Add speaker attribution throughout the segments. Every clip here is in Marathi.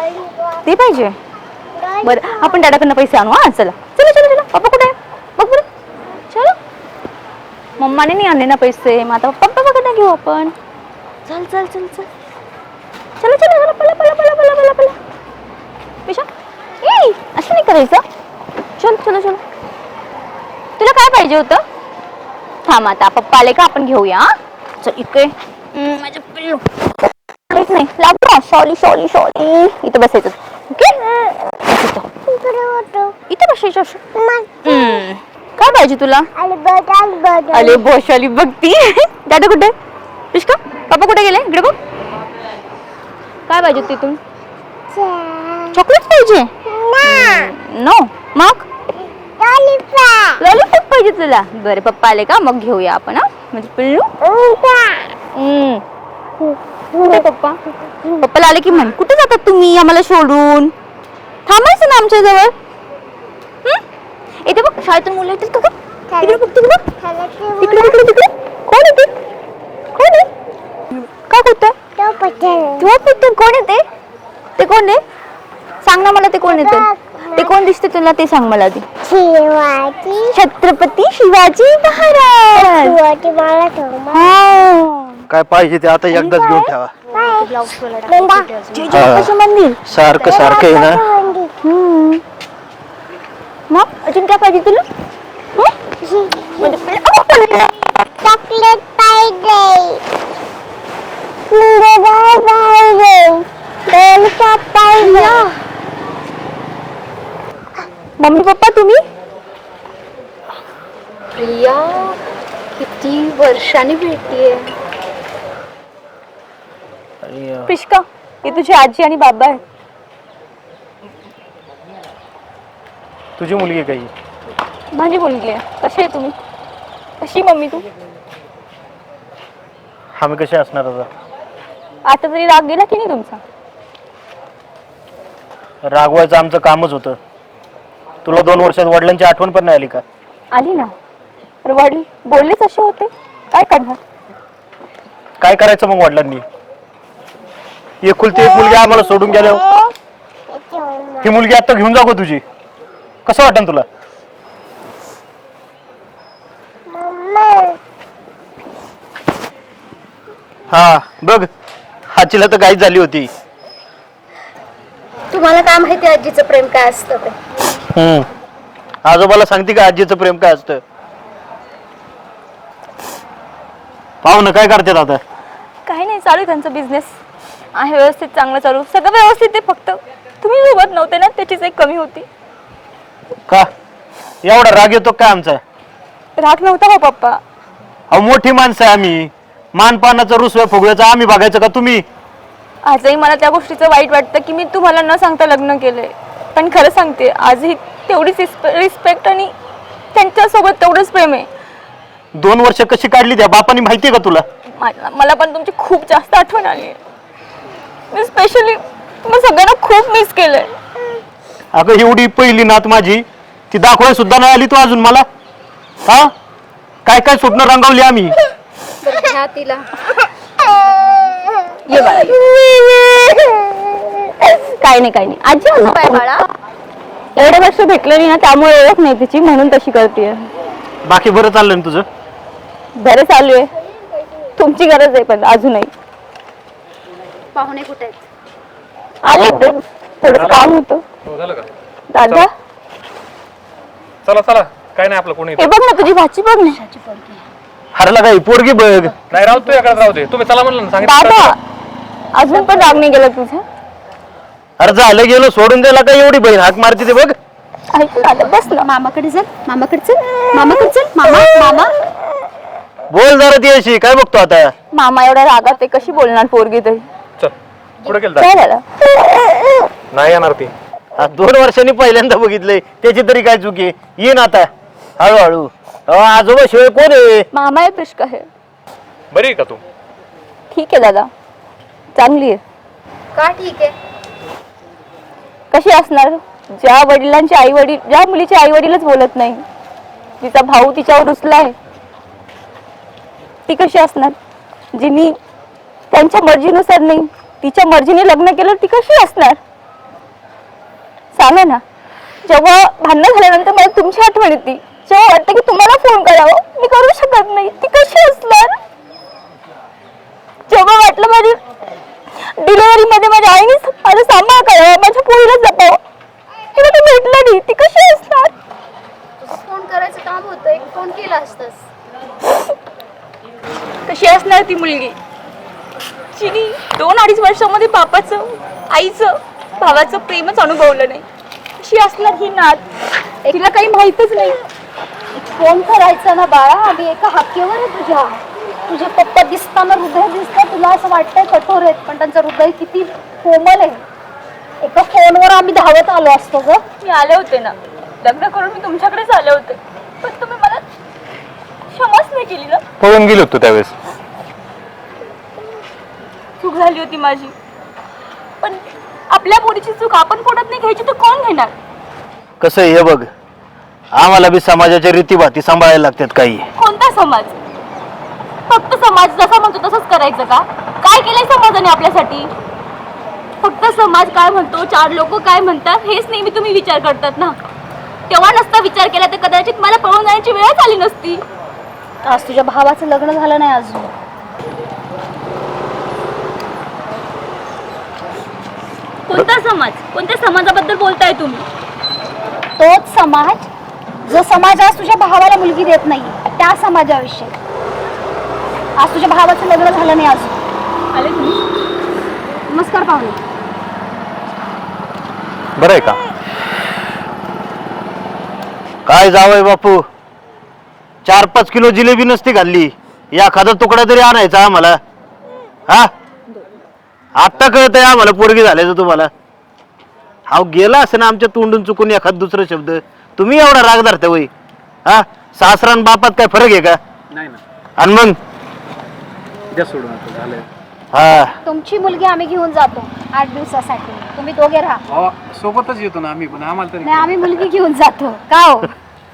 Speaker 1: ते पाहिजे. बरं आपण दादाकडनं पैसे आणू. हा चला चला चला चला. पप्पा कुठे आहे बघ बरं. चलो. मम्माने नाही आणले ना पैसे, मग आता पप्पाकडनं घेऊ आपण. चल चल चल चल. चला चला चला पला पला पला पला पला पला. पिशा ए असं नाही करायचं. चल चला चला. तुला काय पाहिजे होतं? थांब आता पप्पा आले का आपण घेऊया. चल इकडे माझ्या पिल्लू नाही लागतो. Sorry sorry sorry. इथं बसायचं. ओके इथं बसायचं. काय पाहिजे तुला? अरे बोशाली बघती. दादा कुठे? पिशका पप्पा कुठे गेले? इकडे बघ. काय पाहिजे तिथून? चॉकलेट पाहिजे? नो मग लॉलीपॉप पाहिजे तुला? बरं पप्पा आले का मग घेऊया आपण. हा म्हणजे पिल्लू. कुठे पप्पा? पप्पाला आले की म्हण कुठे जातात तुम्ही आम्हाला सोडून? थांबायचं ना आमच्या जवळ. इथे बघ शाळेतून मुलं येतील का? तिकडे बघ तिकडे तिकडे तिकडे तिकडे. कोण येते? कोण आहे? का कुठं कोण येते? ते कोण आहे? सांग ना मला. ते कोण येते? ते कोण दिसते तुला ते सांग मला आधी. छत्रपती शिवाजी महाराज.
Speaker 2: काय पाहिजे ते आता एकदाच घेऊन ठेवा.
Speaker 1: मंदिर
Speaker 2: सारखं सारखं आहे ना.
Speaker 1: मग अजून काय पाहिजे तुला? चॉकलेट पाहिजे. मम्मी पप्पा तुम्ही?
Speaker 3: प्रिया किती वर्षांनी भेटतीये.
Speaker 1: पिशका ही तुझी आजी आणि बाबा आहे.
Speaker 2: तुझी मुलगी काही?
Speaker 1: माझी मुलगी आहे. कशी आहे तुम्ही? कशी मम्मी तू?
Speaker 2: आम्ही कसे असणार आता?
Speaker 1: आता तरी राग गेला की नाही तुमचा?
Speaker 2: रागवायचं आमचं कामच होतं. तुला 2 वर्षात वडिलांची आठवण पण नाही आली का?
Speaker 1: आली ना. वडील बोललेच असे होते. काय करणार?
Speaker 2: काय करायचं मग वडिलांनी? एकुलती एक मुलगी आम्हाला सोडून गेल्यावर ही मुलगी आता घेऊन जाऊ तुझी. कसं वाटन तुला? हा बघ आजीला तर गाईच झाली होती.
Speaker 3: तुम्हाला काय माहिती आजीचं प्रेम काय असतं ते?
Speaker 2: आजोबाला सांगते का आजीचं प्रेम काय असतं? पाहू ना काय करतात आता?
Speaker 1: काही नाही चालू त्यांचा बिझनेस आहे व्यवस्थित चांगलं चालू. सगळं व्यवस्थित आहे. फक्त तुम्ही सोबत नव्हते ना त्याचीच एक कमी होती.
Speaker 2: का एवढा राग येतो काय आमचा?
Speaker 1: राग नव्हता हो पप्पा.
Speaker 2: अहो मोठी माणसं आहे आम्ही. मानपानाचं रुसव्या फुगव्याचं आम्ही बघायचं का तुम्ही?
Speaker 1: आजही मला त्या गोष्टीचं वाईट वाटतं की मी तुम्हाला न सांगता लग्न केलंय. पण खरं सांगते आजही तेवढीच रिस्पेक्ट आणि त्यांच्यासोबत तेवढंच प्रेम आहे.
Speaker 2: 2 वर्ष कशी काढली त्या बापानी माहितीये का तुला?
Speaker 1: मला पण तुमची खूप जास्त आठवण आली आहे. मी स्पेशली तुम्हाला सगळ्यांना खूप मिस केलंय.
Speaker 2: अगं एवढी पहिली नात माझी ती दाखवाय सुद्धा नाही आली तू अजून मला. हा काय काय स्वप्न रंगवली आम्ही.
Speaker 3: घ्या तिला.
Speaker 1: ये बाळा काही नाही आजी असं काय बाळा एवढे वर्ष भेटलं नाही ना त्यामुळे ओळख नाही तिची म्हणून तशी करते.
Speaker 2: बाकी बरं चाललंय ना तुझं?
Speaker 1: बरं चालू आहे. तुमची गरज आहे पण अजूनही.
Speaker 3: पाहुणे कुठे आहेत?
Speaker 1: आले थोडं काम होतं.
Speaker 4: झालं का?
Speaker 1: दादा
Speaker 4: चला चला काय नाही आपलं कोणी.
Speaker 1: हे बघ ना तुझी भाची बघ ना.
Speaker 2: हरला काही पोरगी बघ.
Speaker 4: नाही राहू तू एकडे राहू दे. तुम्ही चला म्हणलं ना
Speaker 1: दादा
Speaker 4: सांगितलं.
Speaker 1: अजून पण राग नाही गेला तुझा?
Speaker 2: अरे झालं गेलो सोडून द्यायला काय एवढी बहीण हाक मारते ते बघ.
Speaker 1: ऐक दादा बस ना.
Speaker 3: मामाकडे चल. मामाकडे चल. मामाकडे चल. मामा मामा
Speaker 2: बोल जरा ती अशी काय बघतो आता?
Speaker 1: मामा एवढ्या रागात आहे कशी बोलणार पोरगी तरी?
Speaker 4: चल पुढे गेलं
Speaker 1: काय झालं?
Speaker 4: नाही येणार ती.
Speaker 2: 2 वर्षांनी पहिल्यांदा बघितलंय त्याची तरी काय चुकी? येईन आता हळूहळू. आजोबा शिवाय कोण आहे?
Speaker 1: मामा आहे पिशका आहे.
Speaker 4: बरी आहे का तू?
Speaker 1: ठीक आहे दादा चांगली आहे.
Speaker 3: का ठीक आहे?
Speaker 1: कशी असणार? ज्या वडिलांचे आई वडील ज्या मुलीचे आई वडीलच बोलत नाही, तिचा भाऊ तिच्यावर रुसलाय, ती कशी असणार? जिनी त्यांच्या मर्जीनुसार नाही तिच्या मर्जीने लग्न केलं ती कशी असणार? जेव्हा भांडण झाल्यानंतर मला तुमची आठवण येते, जेव्हा वाटतं की तुम्हाला फोन करावं मी करू शकत नाही, ती कशी असणार? जेव्हा वाटलं माझी डिलिव्हरी मध्ये माझ्या आईने माझा सांभाळ करावा, माझ्या पोरीला जपावं, तेव्हा ती भेटलं नाही, ती कशी असणार?
Speaker 3: फोन करायचं काम होतं, एक फोन केला असतस.
Speaker 1: कशी असणार ती मुलगी जिने 2-2.5 वर्षामध्ये बापाचं, आईचं, भावाचं प्रेमच अनुभवलं नाही? कशी असणार ही नात? तिला काही माहितच नाही.
Speaker 3: फोन करायचा ना बाळा, आम्ही एका हाकेवर आहे तुझ्या. तुझे पप्पा दिसताना हृदय दिसतं, तुला असं वाटतंय कठोर आहेत, पण त्यांचं हृदय किती कोमल आहे. एका फोनवर आम्ही धावत आलो असतो ग.
Speaker 1: मी आले होते ना, लग्न करून मी तुमच्याकडेच आले होते, पण तुम्ही मला क्षमाच नाही केली ना.
Speaker 4: पळून गेलो होतो त्यावेळेस.
Speaker 1: चूक झाली होती माझी, पण आपल्या पोरीची चूक आपण पोटात नाही घ्यायची तर कोण घेणार?
Speaker 2: कसं आहे हे बघ, आम्हाला बी समाजाच्या रीतीभाती सांभाळायला लागतात काही.
Speaker 1: कोणता समाज? फक्त समाज जसा म्हणतो तसंच करायचं का? काय केलंय समाजाने आपल्यासाठी? फक्त समाज काय म्हणतो, 4 लोक काय म्हणतात हेच नेहमी तुम्ही विचार करतात ना. तेव्हा नसता विचार केला तर कदाचित मला पळून जाण्याची वेळच आली नसती.
Speaker 3: आज तुझ्या भावाचं लग्न झालं नाही अजून.
Speaker 1: कोणता समाज? कोणत्या समाजाबद्दल बोलताय तुम्ही?
Speaker 3: तोच समाज जो समाज आज तुझ्या भावाला मुलगी देत नाही, त्या समाजाविषयी. आज तुझ्या भावाचं लग्न झालं नाही अजून.
Speaker 1: आले तुम्ही?
Speaker 3: नमस्कार पाहुणे.
Speaker 4: बरं आहे का?
Speaker 2: काय जावंय बापू, 4-5 किलो जिलेबी नसती घालली, एखादा तुकडा तरी आणायचा आम्हाला. हा, आता कळतंय आम्हाला पोरगी झाल्याचं तुम्हाला. हा गेला असं ना आमच्या तोंडून चुकून एखाद दुसरं शब्द, तुम्ही एवढा राग धरता वय? हा, सासरान बापात काय फरक आहे का?
Speaker 4: नाही ना,
Speaker 2: आणि मग
Speaker 4: द्या सोडून आता, झालंय.
Speaker 2: हा,
Speaker 3: तुमची मुलगी आम्ही घेऊन जातो 8 दिवसासाठी. तुम्ही दोघे राहा.
Speaker 4: सोबतच येतो ना आम्ही, पण आम्हाला तरी
Speaker 3: नाही, आम्ही मुलगी घेऊन जातो. का हो?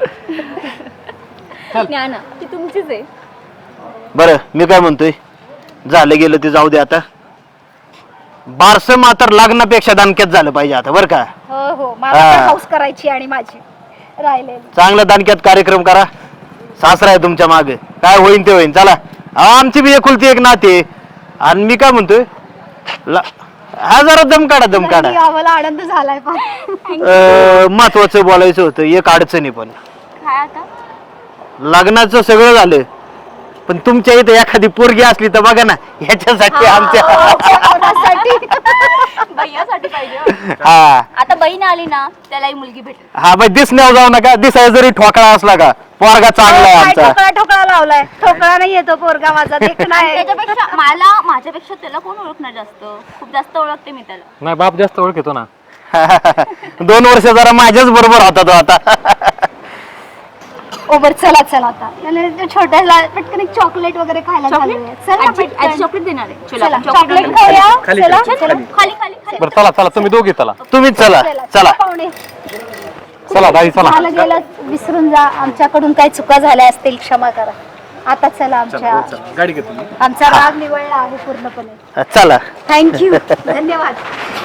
Speaker 1: ज्ञाना ती तुमचीच आहे.
Speaker 2: बरं मी काय म्हणतोय, झालं गेलं ते जाऊ दे आता. बारस मात्र लग्नापेक्षा दानक्यात झालं पाहिजे आता, बरं का?
Speaker 3: हो हो, मला
Speaker 2: हा.
Speaker 3: पण हौस करायची आणि माझी राहिलेली.
Speaker 2: चांगला दानक्यात कार्यक्रम करा. सासरा आहे तुमच्या मागे, काय होईन ते होईन. चला, आमची बी एकुलती एक नाते. आणि मी काय म्हणतोय, हा जरा दम काढा, दम काढा.
Speaker 3: आम्हाला आनंद झालाय. पण
Speaker 2: महत्वाचं बोलायचं होतं, एक अडचणी पण.
Speaker 1: काय आता?
Speaker 2: लग्नाचं सगळं झालं, पण तुमच्या इथे एखादी पोरगी असली तर बघा ना, ह्याच्यासाठी आमच्या.
Speaker 1: भैयासाठी पाहिजे.
Speaker 2: हा
Speaker 1: आता बहीण आली ना, त्यालाही मुलगी भेटेल.
Speaker 2: हा बाई, दिसण्यावर जाऊ नका. दिसाय जरी ठोकळा असला का, पोरगा चांगला आहे आमचा.
Speaker 3: ठोकळा ठोकळा लावलाय. ठोकळा नाही येतो पोरगा माझा, देखणा आहे.
Speaker 1: त्याच्यापेक्षा माझ्यापेक्षा त्याला कोण ओळखणार जास्त? खूप जास्त ओळखते मी त्याला.
Speaker 4: नाही, बाप जास्त ओळखतो ना.
Speaker 2: 2 वर्ष जरा माझ्याच बरोबर होता तो आता.
Speaker 3: ओबर चला चला आता. त्याला छोट्याला पटकन एक चॉकलेट वगैरे खायला घालूया. चला पटकन.
Speaker 1: चॉकलेट देणार आहे.
Speaker 3: चला चॉकलेट खाऊया.
Speaker 4: खाली
Speaker 3: चला
Speaker 4: खाली,
Speaker 3: चला.
Speaker 4: खाली.
Speaker 1: खाली खाली खाली.
Speaker 4: बरं चला चला, तुम्ही दोघे चला.
Speaker 2: तुम्हीच चला, चला.
Speaker 3: पाहुणे
Speaker 4: चला दाई चला.
Speaker 3: झालं गेलं विसरून जा. आमच्याकडून काही चुका झाल्या असतील क्षमा करा. आता चला,
Speaker 4: गाडी घेतो.
Speaker 3: आमचा राग निवळला आहे पूर्णपणे.
Speaker 2: चला.
Speaker 3: थँक्यू. धन्यवाद.